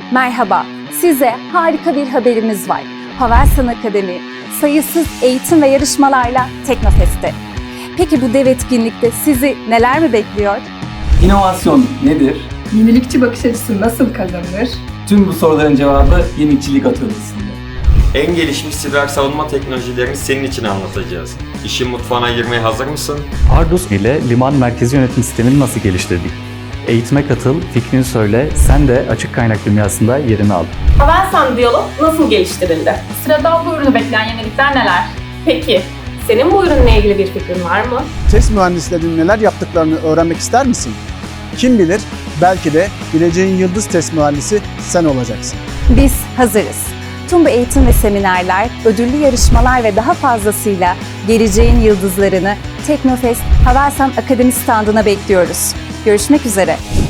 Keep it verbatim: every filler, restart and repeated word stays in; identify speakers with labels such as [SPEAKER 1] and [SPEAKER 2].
[SPEAKER 1] Merhaba, size harika bir haberimiz var. Havelsan Akademi, sayısız eğitim ve yarışmalarla Teknofest'te. Peki bu dev etkinlikte sizi neler mi bekliyor?
[SPEAKER 2] İnovasyon nedir?
[SPEAKER 3] Yenilikçi bakış açısı nasıl kazanılır?
[SPEAKER 2] Tüm bu soruların cevabı Yenilikçilik Atölyesi'nde.
[SPEAKER 4] En gelişmiş siber savunma teknolojilerini senin için anlatacağız. İşin mutfağına girmeye hazır mısın?
[SPEAKER 5] Ardus ile liman merkezi yönetim sistemini nasıl geliştirdik? Eğitime katıl, fikrini söyle, sen de açık kaynak dünyasında yerini al.
[SPEAKER 6] Havelsan Diyalog nasıl geliştirildi? Sırada bu ürünü bekleyen yenilikler neler? Peki, senin bu ürünle ilgili bir fikrin var mı?
[SPEAKER 7] Test mühendislerinin neler yaptıklarını öğrenmek ister misin? Kim bilir, belki de geleceğin yıldız test mühendisi sen olacaksın.
[SPEAKER 1] Biz hazırız. Tüm bu eğitim ve seminerler, ödüllü yarışmalar ve daha fazlasıyla geleceğin yıldızlarını Teknofest Havelsan Akademi standına bekliyoruz. Görüşmek üzere.